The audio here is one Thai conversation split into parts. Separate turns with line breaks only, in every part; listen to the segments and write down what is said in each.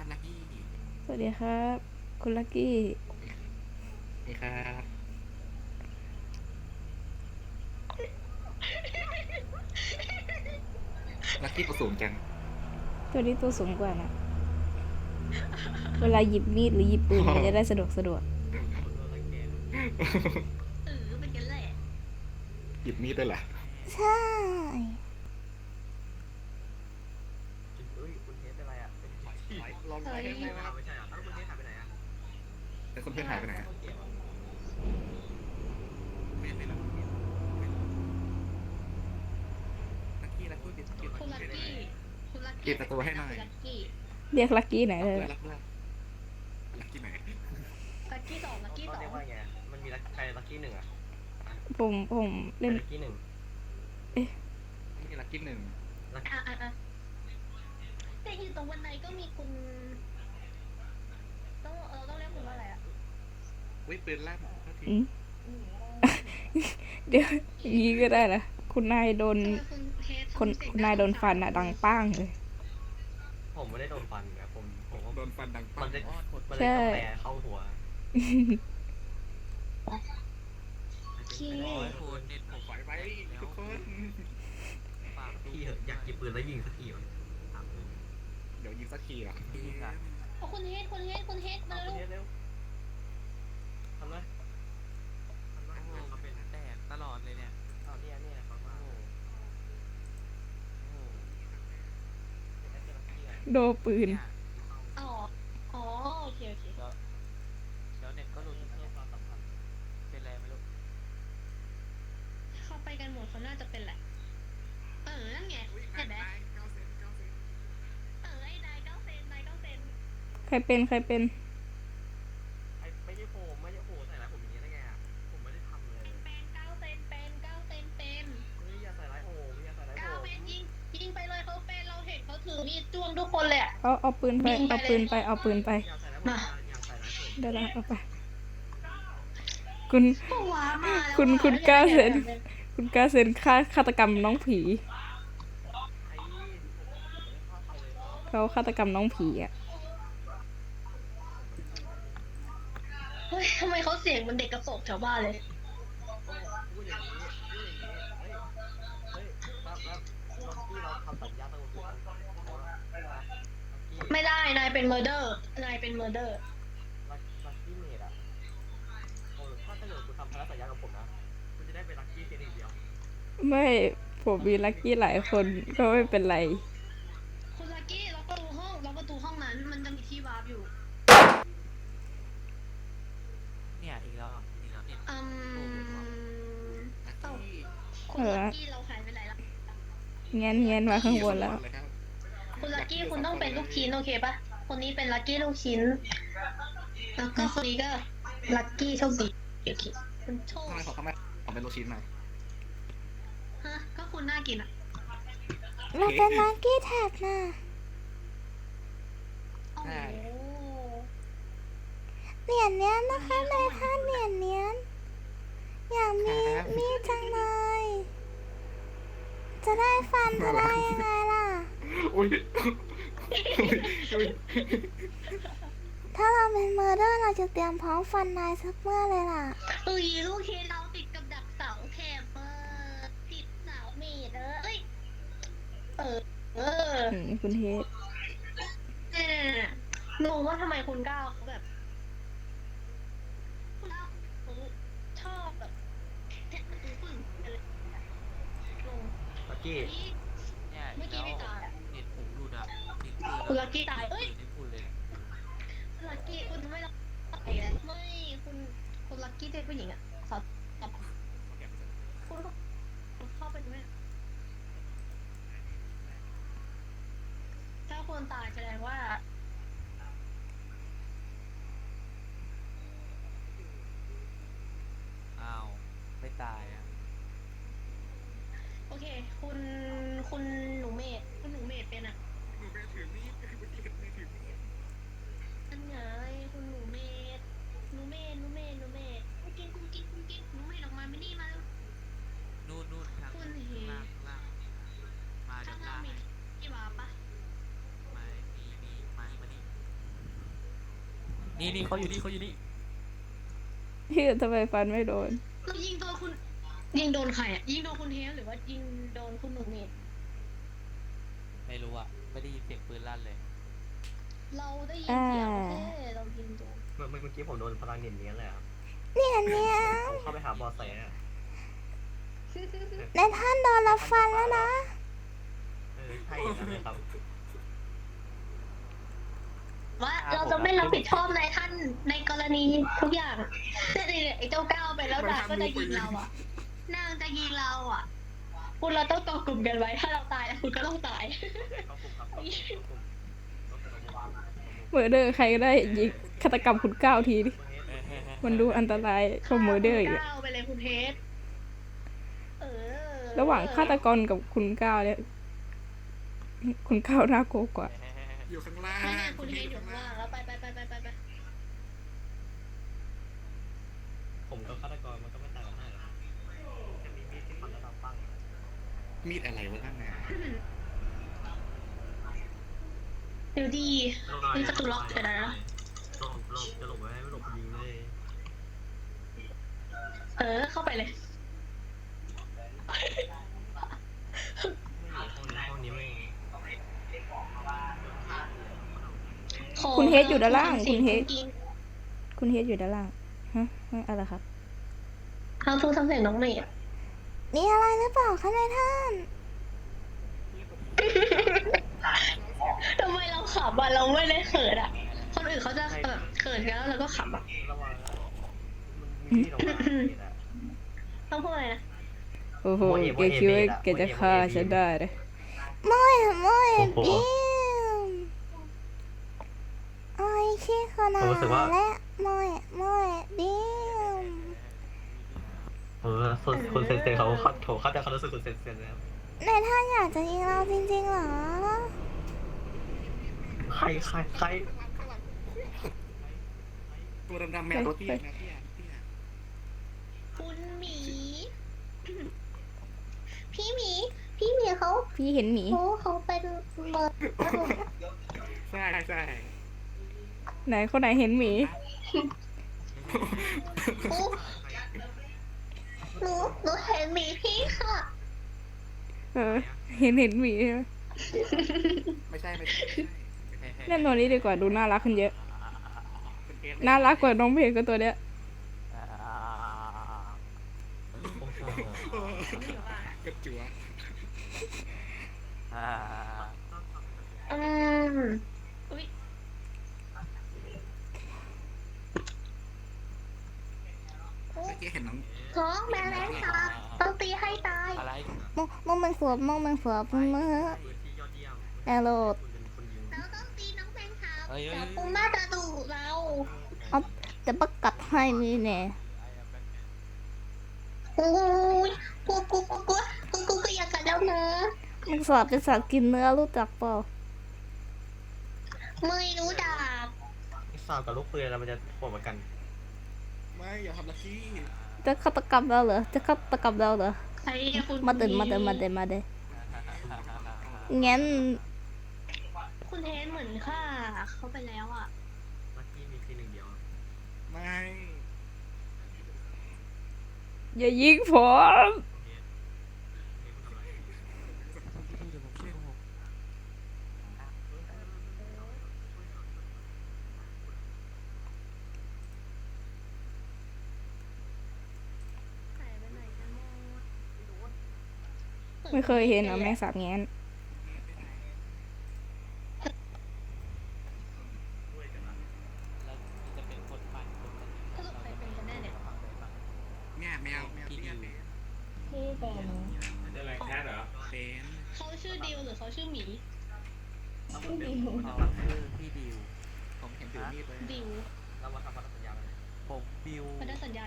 ลักกี้
สวัสดีครับคุณลักกี้
นี่ครับลักกี้ตัวสูงจัง
ตัวนี้ตัวสูงกว่านะเวลาหยิบมีดหรือหยิบปืนมันจะได้สะดวก
เป็นกันแหละ
หยิบมีดด้วยเหรอ
ใช่
เอ้ยคุณเทสเป็นไรอ่ะเป็นที่
ลองไปให้ไหมครับ
ไม่ใช่เหรอแล้วคุณเทสหายไปไหนอ่ะ
แต่คนเพื่อนหายไปไหนอะ
ต้นเกมอ่ะ
ไม่รับลักกี้ปิด
คุณลักกี้คุณลัก
ปิ
กี้
ดประตูให้หน่อย
คุณลักกี้
เรียกลักกี้ไหนเลย
รับด้วยลักกี้ไหน
ลักกี้สองลักกี้สอง
เรียกว่าไงมันมีใครลัคกี้หนึ่งอ่ะ
ผมเล่น
ลัคกี้หนึ่ง
นี่ลักกี้หนึ่ง
อ่ะแต่อยู่ตรงบันไดก็มีคุณต้องเรียกคุณว่าอะไรอ่ะ
อุ้ยปืนลั่นเท่าที
อืมเดี๋ยวอย่างนี้ก็ได้นะคุณนายโดน
คุณเทส
คุณนายโดนฟันอะดังป้างเลย
ผมไม่ได้โดนฟันนะผมว่า
โดนฟันดัง
มั
ปั้
น
ง
จะมัน
ใช่
เลยกาแฟเข้าหัว
พี่
คนเน็ตผมไฟไว้ทุกคน
พี่เหอะอยากหยิบปืนแล้วยิงสักทีวะถามเลย
เดี๋ยวยิงสักทีอ่ะ
ยิงอ่ะ
คุณเทสมา
คุณ
เร็ว
เทสเร็วทำเลยเขาเป็น
แตกตลอดเลยเนี่ย
เอาเนี่ยเขามาเป็นลัคกี้อ่ะ
โดนปืน
เนี่ย
อ๋อโอเค
เดี๋ยวเน็ตก็หลุด
เพื่อความสัมพันธ์
เป็นไรไม่รู้
เข้าไปกันหมดเขาน่าจะเป็นแหละนั่นไงเห็นไหมไอ้นาย9 เซน
ใครเป็น
ไม่ใช่ผมใส่ร้ายผมอย่างนี้ได้ไงอ่ะผมไม่ได้ทำเลย
เป็น9 เซนเป็น
เฮ้ยอย่าใส่ร้ายผมอย่าใส่ร้ายผม
9 เซนยิงไปเลยเขาเป็นเราเห็นเขาถือมีดจ้วงทุกคนเลยอ่ะ
เอาปืนไปเอาปืนไป
อย่าใส่ร้ายผมอย่าใส่ร้ายผม
เดี๋ยวนะเอาไปคุณ
ก็ว้ามาแล้ว
คุณ9 เซนคุณ9 เซนฆาตกรรมน้องผี
ไอ้ผมไม่ได้ฆ่าใครเลย
เขาฆาตกรรมน้องผีอ่ะ
เฮ้ยทำไมเขาเสียงเหมือนเด็กกระโปรงแถวบ้านเลย
พูดอย่างนี้เฮ้ยครับที่เราทำสัญญาตั้งแต่กี้
ไม่ได้นายเป็นเมอร์เดอร์นายเป็นเมอร์เดอร์
ลัคกี้เมดอ่ะโอ้ถ้าเกิดคุณทำพันธสัญญากับผมนะคุณจะได้เป็นลัคกี้เพียงอย่างเดียว
ไม่ผมมีลักกี้หลายคนก็ไม่เป็นไร
คุณลักกี้ล็อกประตูห้องนั้นมันจะมีที่วาร์ปอยู่
เนี่ยอีกแล้วเน็ต
ลัก
เอ้า
กี้
คุณลักกี้เราหายไปไหนละ
เงี้ยมาข้างบนแล้ว
คุณลักกี้คุณต้องเป็นลูกชิ้นโอเคปะคนนี้เป็นลักกี้ลูกชิ้นแล้วก็คนนี้ก็ลักกี้โชคดีโอเคคุณโชค
ทำไมเขาไม่เอาเป็นลูกชิ้นมา
ฮะก็คุณน่ากินอ่ะ
เราเป็นลักกี้แท็กนะ
โอ้โห
เหรียญเนี้ยนะคะนายท่านเหรียญเนี้ยอยากมีจังเลยจะได้ฟันจะได้ยังไงล่ะ
อุ้ย
ถ้าเราเป็นเมอร์เดอร์เราจะเตรียมพร้อมฟันนายสักเมื่อเลยล่ะ
ลูกชิ้นเราติดกับดักเสาแคบติดเสาเมดเอ้ยเออ
คุณเฮด
เนี่ยงงว่าทำไมคุณก้าวเขาแบบคุณก้าวเขาชอบแบบงง
ลัคกี้
เนี่ย
เมื่อกี้ไม่ตายอ่ะ
เน็ตผมหลุดอ่ะติดปืน
คุณลักกี้ตายเอ้ย
ไม่พูดเลย
ลักกี้คุณไม่รักไม่คุณลักกี้เป็นผู้หญิงอ่ะสาวคุณเข้าไปดูไหมถ้าคนตายแสดงว่า
อ้าวไม่ตายอ่ะ
โอเค คุณหนูเมดเป็นอ่ะ
หนูแม่ถือมีดไม่ถือมีด
อันไงคุณหนูเมดกุ้งกิ๊กหนูเมดหนูเมดออกมาไม่นี่มาแล้ว
นู่นทาง
คุณเฮ
ล่างมา
ข้า
ด้าง น
ล่า
ล่าง ง
มีที่วาปะ
ไม่มีนี่เขาอยู่นี่เขาอยู่นี่
พี่ทำไมฟันไม่โดน
เรายิงโดนคุณ ยิงโดนใครอ่ะ ยิงโดนคุณเทสหรือว่ายิงโดนคุณหนุ่มเมด
ไม่รู้อะไม่ได้ยินเสียงปืนลั่นเลย
เราได้ยินเสียงแค่เรายิงโดน
เมื่อกี้ผมโดนพลังเนียนเนี้ยเลยครับ
เนี่ยเนี่ย
ผมเข้าไปหาบอสแสอะ
ในท่านโดนรับฟันแล้วนะ
ใช่อย่างนั้นเลยครับ
ว่าเราจะไม่รับผิดชอบในท่านในกรณีทุกอย่างแต่ไอ้เจ้าก้าวไปแล้วนางก็จะยิงเราอ่ะ นางจะยิงเราอ่ะ คุณเราต้องต่อกลุ่มกันไว้ ถ้าเราตายแล้วคุณก็ต้องตาย
เข้ากลุ่มครับเข้ากลุ่มเข้ากลุ่ม
เมอร์เดอร์ใครก็ได้ยิงฆาตกรรมคุณก้าวทีดิมันดูอันตรายกว่าเมอร์เดอร์อีกอะ
ก้าวไปเลยคุณเทส
ระหว่างฆาตกรกับคุณก้าวเนี่ยคุณก้าวน่ากลัวกว่า
อยู่ข้างล่าง
ไม่งั้นคุณเทสอยู่ข้างล่างแล้วไป
ผมกับฆาตกรมันก็ไม่ต่างกันมากหรอกจะมีมีดที่ฟันแล้วเราปั้ง
มีดอะไรวะท่านน่ะ
เดี๋ยวดีมีประตูล็อกเดี๋ยวนะ
หลบจะหลบไว้ไม่หลบยิงเลย
เข้าไปเลย
ห้องนี้ไม่
คุณเฮดอยู่ด้านล่างคุณเฮด
กิน
คุณเฮดอยู่ด้านล่างฮะอะไรครับ
เขาทูทำเสียงน้องเมย์
มีอะไรหรือเปล่าคะนายท่าน
ทำไมเราขำอ่ะเราไม่ได้เขินอ่ะ คนอื่นเขาจะแบบเขินกันแล้วเราก็ขำอ่ะ
ระวังนะมันมีที่ออกมาเนี่ยนะ
ต้องพูดอะไรนะ
โอ้โหแกคิดว่าแกจะฆ่าฉันได้เลยไม่
โอ้โห
บิมโอ้ยชื่อคนอะไร
ผมรู้สึกว่า
และไม่บิม
คุณเซนเซเขาเข้าใจความรู้สึกคุณเซนเซนะครับ
นายท่านอยากจะยิงเราจริงๆเหรอ
ใคร
ตัวดำๆแมวตัวเตี้ยนะเตี้ย
คุณหมี พี่หมีเขา
พี่เห็นหมี
เขาเป็นเมิร์ด
ใช่ใช่
ไหนคนไหนเห็นหมี
หนูเห็นหมีพี่ค่ะ
เห็นหมีใช่ไหม
ไม่ใช่
เล่นตัวนี้ดีกว่าดูน่ารักขึ้นเยอะ
เป็นเอส
น่ารักกว่าน้องเพลงก็ตัวเนี้ย
กระจัว
อุ้ย
เมื่อกี้เห็นน้อง
ท้องแมลงสาบต้องตีให้ตาย
อะไร
มองมันขวบมือ
พื้นที่ยอดเยี่ยม
แอโรด
คุณเป็นคนยิง
เราต้องตีน้องแมงสาบ
เอ้ย
เดี๋ยวปูม่าจะดุเรา
แต่ประกัดให้มีแน่
โอ้ยกูก็อยากกันแล้วนะ
มันสอบเป็นสัตว์กินเนื้อรู้จักเปล่า
ไม่รู้จัก
สาวกับลูกปืนแล้วมันจะโหดเหมือนกัน
ไม่อย่าทำลักกี้
จะฆาตกรรมเราเหรอจะฆาตกรรมเราเหรอ
ใครคุณ
มาเดินงั้น
คุณเทนเหมือนค่ะเขาไปแล้วอ่ะ
ลักกี้มีทีหนึ่งเดียว
ไม่
อย่ายิงผม
เดี๋ยวผมช่วยผม
ไม่เคยเห็นนะแมงสาบแง้น
แล้วจะเป็นคนปั่นคนนั้น
สรุปใครเป็นกันแน่เนี่ย
เนี่ยแมวเตี้ยเป็น
พี่เป็น
เป็น
เขาชื่อดิวหรือเขาชื่อหมี
เขาชื่อพี่ดิว
ผมเห็นถือมีดเลย
ดิว
เรามาทำพันธสัญญากัน
ผมบิว
พันธสัญญา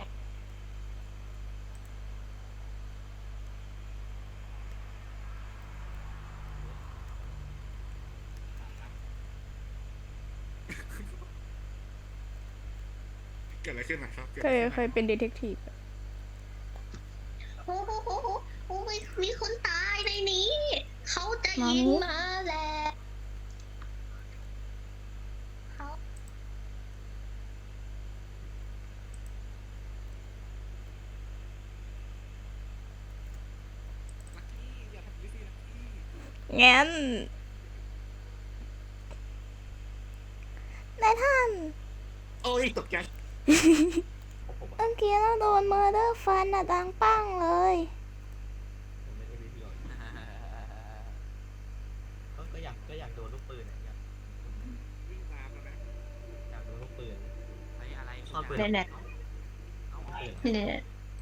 เกิดอะไรขึ้นนะครับ
เคยเป็นดีเทคทีฟ
โอ้โหมีคนตายในนี้ เขาจะยิงมาแล้วเขา
งั้นนายท่าน
โอ้ยตกใจ
ผม
เมื่อกี้เราโดนเมอร์เดอร์ฟันอะดังปั้งเลย
เป็น MVP ก่อนก็อยากโดนลูกปืนอ่ะอยาก
วิ่งตามแล้วนะ
อยากโดนลูกปืน
ไอ้อะไร
ชอบปืน
แน่
เอา
ลูกปืน
ๆเนี่ย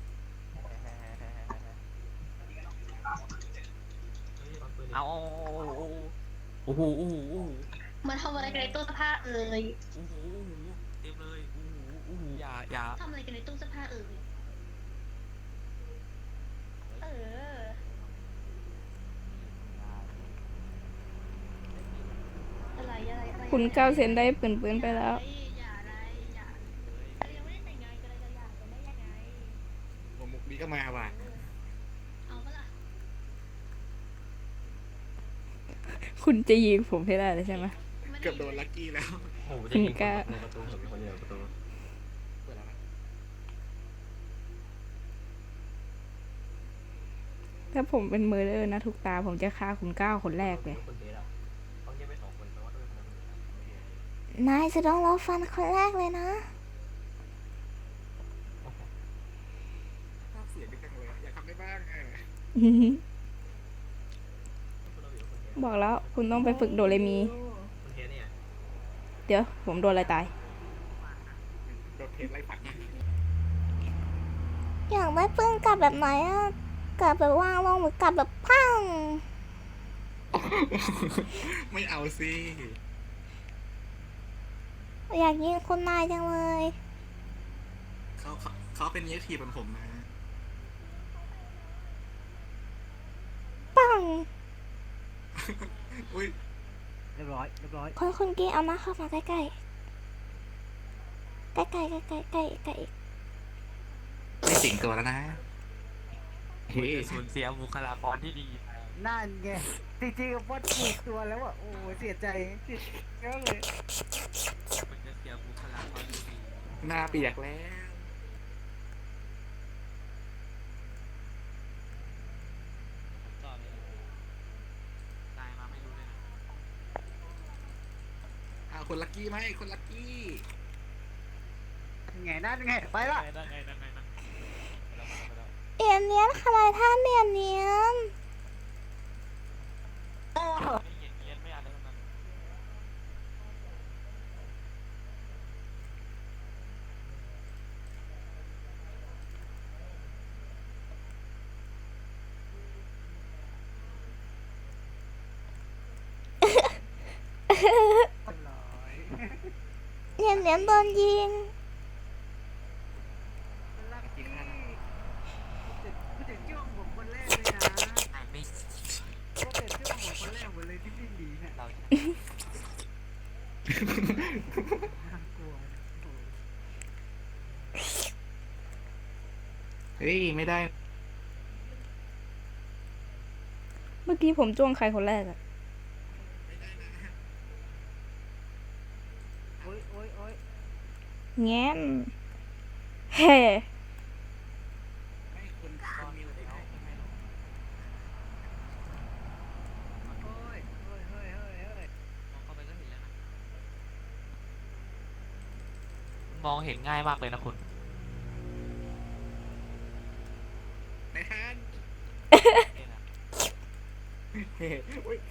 เฮ้ยเอาปืน
เอาโอ้โหโอ้โหโอ้โห
มาทำอะไรกันในตู้เสื้อผ้าเอ่ย
โอ้โหเต็มเลยโอ้โหโอ้โหอย่า
ทำอะไรกันในตู้เสื้อผ้าเอ่ยเอออะไร
คุณก้าวเซนได้ปืนไปแล้ว
อย่าเรายังไม่ได้แต่งงานกันเลยจะอยากกันได้ยังไง
หัวมุกนี้ก็มาว่ะ
เอาปะล่ะ
คุณจะยิงผมให้ได้เลยใช่ไหม
เกือบโดนลักกี้แล้ว
โอ้โหจะยิงคนในประตูผมมีคนเดียวในประตู
เปิดแล้วนะ
ถ้าผมเป็นเมอร์เดอร์นะทุกตาผมจะฆ่าคุณก้าวคนแรกเลย
คนเดทอ่ะเขาเงียบไป2 คนแปลว่าต้องเป็นคนอื่น
นายจะต้องรอฟันคนแรกเลยนะ
ภาพเสียงดีจังเลยอยากทำได้บ้าง
บอกแล้วคุณต้องไปฝึกโดเรมี
คนเทสเนี่ย
เดี๋ยวผมโดนอะไรตาย
โดนเทสไล่ปัด
อยากได้ปืนกลับแบบไหนอะกลับแบบวางลงหรือกลับแบบพัง
ไม่เอาสิ
อยากยิงคนนายจังเลย
เขาเป็นเยทีเหมือนผมนะ
ปัง
อุ้ย
เรียบร้อย
คุณกี้เอามาเข้ามาใกล้ๆใกล้ๆ
ไม่สิงตัวแล้วนะ
คุณจะสูญเสียบุคลากรที่ดีไป
นั่นไงจริงๆว่าถูกตัวแล้วอ่ะโอ้เสียใจเยอะเลย
คุณจะเสียบุคลากรที่ดี
หน้าเปียกแล้ว
ต่อเลยตายมาไม่รู้เลยนะ
เอาคนลักกี้ไหมคนลักกี้
ไงนั่นไงไปละ
นั่นไงไปแล้ว
เอียนเนียนค่ะนายท่านเนียน
ไม่เย็นไม่อะไรทั้งนั้น
เนียนโดนยิง
ลักกี้กูจะจ้วงผมคนแรกเลยนะ
ไม่
ก็เป็นจ้วงผมคนแรกหมดเลยที่วิ่งหนีเนี่ย
เรา
น่ากลัวนะโอ้
เฮ้ยไม่ได้
เมื่อกี้ผมจ้วงใครคนแรกอะ
โอ้ย
แง้นเฮ้
ไม่คนมีอยู่แล้ว
เฮ้ย
มองเข้าไปก็เห็นแล้วนะมองเห็นง่ายมากเลยนะคุณ
ในฮัน
เนี่ยนะ
เฮ้ยอุ้ย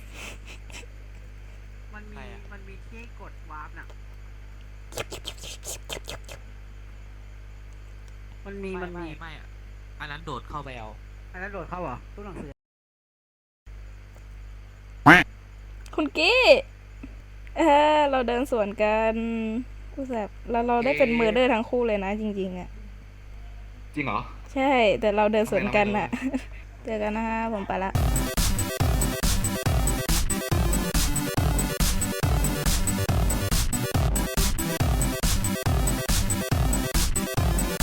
มันมีที่กดวาร์ปน่ะมันมี
ไม่อะอันนั้นโดดเข้าไปเอา
อันนั้นโดดเข้าเหรอตู้หนังสือ
คุณกี้เราเดินสวนกันกูแสบเราได้เป็นเมอร์เดอร์ทั้งคู่เลยนะจริงๆอะ
จริงเหรอ
ใช่แต่เราเดินสวนกันอะเจอกันนะคะผมไปละ